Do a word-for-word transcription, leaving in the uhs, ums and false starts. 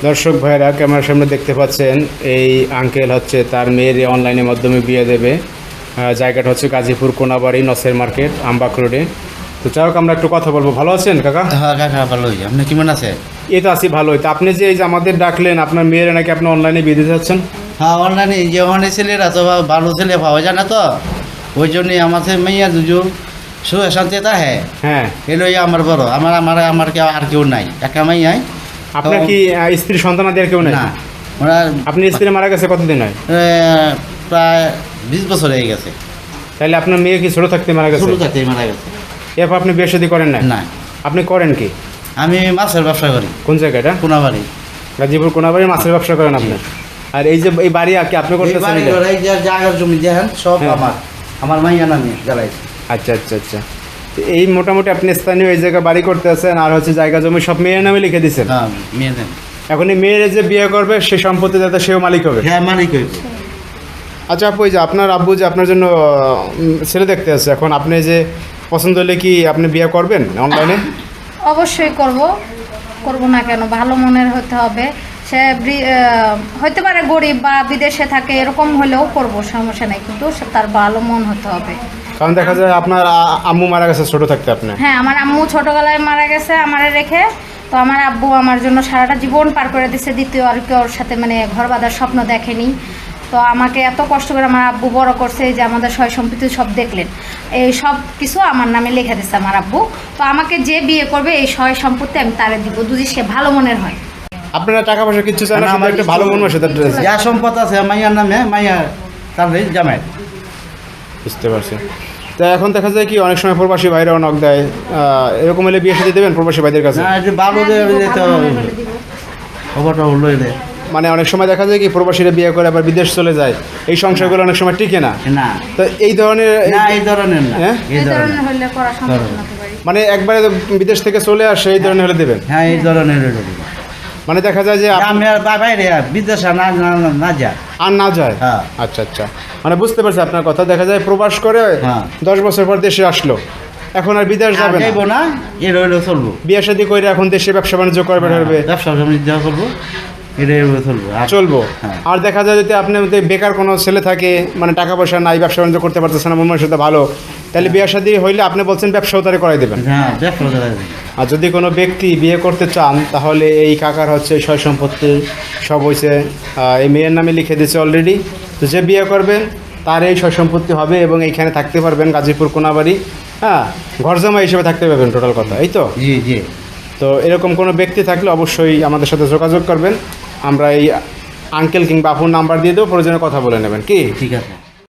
দর্শক ভাইরা ক্যামেরার সামনে দেখতে পাচ্ছেন এই আঙ্কেল হচ্ছে তার মেয়ের অনলাইনের মাধ্যমে বিয়ে দেবে। জায়গাটা হচ্ছে গাজীপুর কোনাবাড়ি নসের মার্কেট আমবাগ রোডে। তো যাই হোক আমরা একটু কথা বলবো। ভালো আছেন কাকা? হ্যাঁ কাকা ভালো হয়েছে। আপনি কেমন আছে? এই তো আছি ভালোই। তো আপনি যে এই যে আমাদের ডাকলেন, আপনার মেয়ের নাকি আপনি অনলাইনে বিয়ে দিতে চাচ্ছেন? হ্যাঁ অনলাইনে যে ওখানে ছেলেরা তো ভালো ছেলে পাওয়া যায় না, তো ওই জন্যই আমাদের মেয়ে দুজো সুখে শান্তিতে হ্যাঁ হ্যাঁ এলোই আমার বড়। আমার আমার আমার কেউ আর কেউ নাই, একা মেয়ে। আপনার কি আহ, স্ত্রী সন্তান আদি আর কেউ নাই? না, ওরা আপনি স্ত্রী মারা গেছে কতদিন হয়? এ, প্রায় বিশ বছর হয়ে গেছে। তাহলে আপনার মেয়ে কি ছোট থাকতে মারা গেছে? ছোটো থাকতেই মারা গেছে। এরপর আপনি বিয়ে শাদী করেন না? না, আপনি করেন কি? আমি মাছের ব্যবসা করি। কোন জায়গাটা? কোনাবাড়ি। গাজীপুর কোনাবাড়ি মাছের ব্যবসা করেন আপনি? আর এই যে এই বাড়ি কি আপনি এই করতেছেন? বাড়ি এটা? ঘর, এই যে জায়গার জমি দেখেন সব হ্যাঁ। আমার আমার মাইয়া নামে জ্বালাই। আচ্ছা আচ্ছা আচ্ছা। তো এই মোটামুটি আপনি স্থানীয় এই জায়গায় বাড়ি করতে আছেন, আর হচ্ছে জায়গা জমি সব মেয়ের নামে লিখে দিচ্ছেন। হ্যাঁ মেয়ে দেন। এখন এই মেয়ের যে বিয়ে করবে সে সম্পত্তি যাতে সেও মালিক হবে। হ্যাঁ মালিক হইব। আচ্ছা আপু, এই যে আপনার আব্বু যে আপনার জন্য উম, ছেলে দেখতে আছে, এখন আপনি যে পছন্দ হলে কি আপনি বিয়ে করবেন অনলাইনে? অবশ্যই করব, করব না কেন? ভালো মনের হতে হবে। সে বৃ- আহ, হতে পারে গরিব বা বিদেশে থাকে, এরকম হলেও করব, সমস্যা নাই, কিন্তু সে তার ভালো মন হতে হবে। কারণ দেখা যায় আপনার আ- আম্মু মারা গেছে ছোট থাকতে আপনি। হ্যাঁ, আমার আম্মু ছোটবেলায় মারা গেছে আমারে রেখে। তো আমার আব্বু আমার জন্য সারাটা জীবন পার করে দিচ্ছে, দ্বিতীয় আর কেউ ওর সাথে মানে ঘর বাঁধার স্বপ্ন দেখেনি। তো আমাকে এত কষ্ট করে আমার আব্বু বড় করছে, এই যে আমাদের সয় সম্পত্তি সব দেখলেন, এই সব কিছু আমার নামে লিখে দিচ্ছে আমার আব্বু। তো আমাকে যে বিয়ে করবে এই সয় সম্পত্তি আমি তারে দিব, যদি সে ভালো মনের হয়। আপনারা টাকা পয়সা কিচ্ছু চান না, না, শুধু আমার একটা কিছু- ভালো মন মাসে ড্রেস। যা সম্পদ আছে মাইয়ার নামে, মাইয়া তার জামাই। বুঝতে পারছি। তো এখন দেখা যায় কি অনেক সময় প্রবাসী ভাইরাও নক দেয়, আহ, এরকম হলে বিয়ে সাথে দেবেন প্রবাসী ভাইদের কাছে? না একটু ভালো হ্যাঁ, দেবে দিব, যেতে ভালো হবে। মনে হলে দিব। খবরটা হলো এলে মানে অনেক সময় দেখা যায় কি প্রবাসীরা বিয়ে করে আবার বিদেশ চলে যায়, এই সংসারগুলো অনেক সময় টিকে না। না তো এই ধরনের না এই ধরনের না, হ্যাঁ? এই এই ধরনের ধরনের হলে করা সম্ভব না তো বাড়ি। মানে একবারে বিদেশ থেকে চলে আসে এই ধরনের হলে দেবেন? হ্যাঁ এই ধরনের হলো। মানে দেখা যায় যে আপ- আমি আর বাইরে বিদেশে না না- না- না যা। আর না যায়। হ্যাঁ। আচ্ছা আচ্ছা, মানে বুঝতে পারছি আপনার কথা। দেখা যায় প্রবাস করে হ্যাঁ। দশ বছর পর দেশে আসলো, এখন আর বিদেশ আর যাবে না, যাইবো না, এর হইলেও চলবো। বিয়ে শাদী করে এখন দেশে ব্যবসা বাণিজ্য করবে হবে, ব্যবসা জমি দেওয়া চলবো, এটা এভাবে চলবো। আর চলবো। হ্যাঁ। আর দেখা যায় যদি আপনি যদি বেকার কোনো ছেলে থাকে, মানে টাকা পয়সা নাই, ব্যবসা বাণিজ্য করতে পারতেছে না, মনের সাথে ভালো, তাহলে বিয়ে শাদী হইলে আপনি বলছেন ব্যবসাও তারা করাই দেবেন। হ্যাঁ ব্যবসা করা যাবে। আর যদি কোনো ব্যক্তি বিয়ে করতে চান, তাহলে এই কাকার হচ্ছে সয় সম্পত্তি সব হয়েছে এই মেয়ের নামে লিখে দিয়েছে অলরেডি। তো যে বিয়ে করবেন তার এই সয় সম্পত্তি হবে এবং এইখানে থাকতে পারবেন গাজীপুর কোনাবাড়ি। হ্যাঁ, ঘর জামা হিসেবে থাকতে পারবেন টোটাল কথা, এই তো? জি জি। তো এরকম কোনো ব্যক্তি থাকলে অবশ্যই আমাদের সাথে যোগাযোগ করবেন। আমরা এই আঙ্কেল কিংবা আপুর নাম্বার দিয়ে দেবো, প্রয়োজনে কথা বলে নেবেন কি? ঠিক আছে।